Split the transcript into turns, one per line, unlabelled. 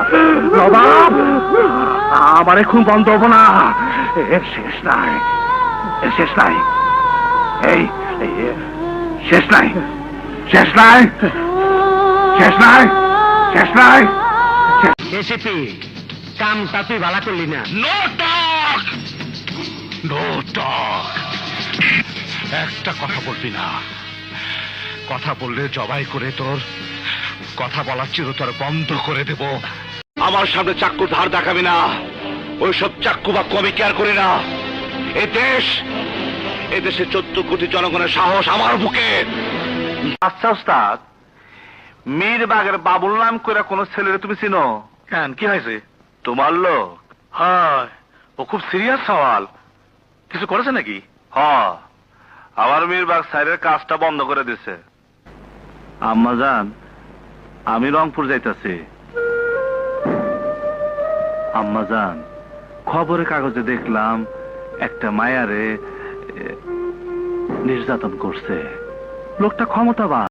নবাব, আমার এখন বন্ধ হবো না, এর শেষ নাই, এর শেষ নাই, এই শেষ নাই, শেষ নাই, শেষ নাই, শেষ নাই।
এসিপি, কামটা তুই ভালো করলি না।
No talk, no talk. একটা কথা বলবি না, কথা বললে জবাই করে তোর কথা বলার চিরতর বন্ধ করে দেব। আমার সামনে চাক্কুর ধার দেখাবি না, ওইসব চাক্কু বা কমি কেয়ার করি না। এদেশে 14 কোটি জনগণের সাহস আমার বুকে। আচ্ছা ওস্তাদ, মীরবাগের বাবুল নাম করে কোন ছেলেরে তুমি চিনো? কেন, কি হয়েছে? তোমার লোক? হয়, ও খুব সিরিয়াস সওয়াল। কিছু করেছে নাকি? হ্যাঁ, আমার মীরবাগ সাইডের কাজটা বন্ধ করে দিছে। আম্মা জান, আমি রংপুর যাইতাছি। আম্মা জান, খবরের কাগজে দেখলাম একটা মায়ারে নির্যাতন করছে। লোকটা ক্ষমতাবান।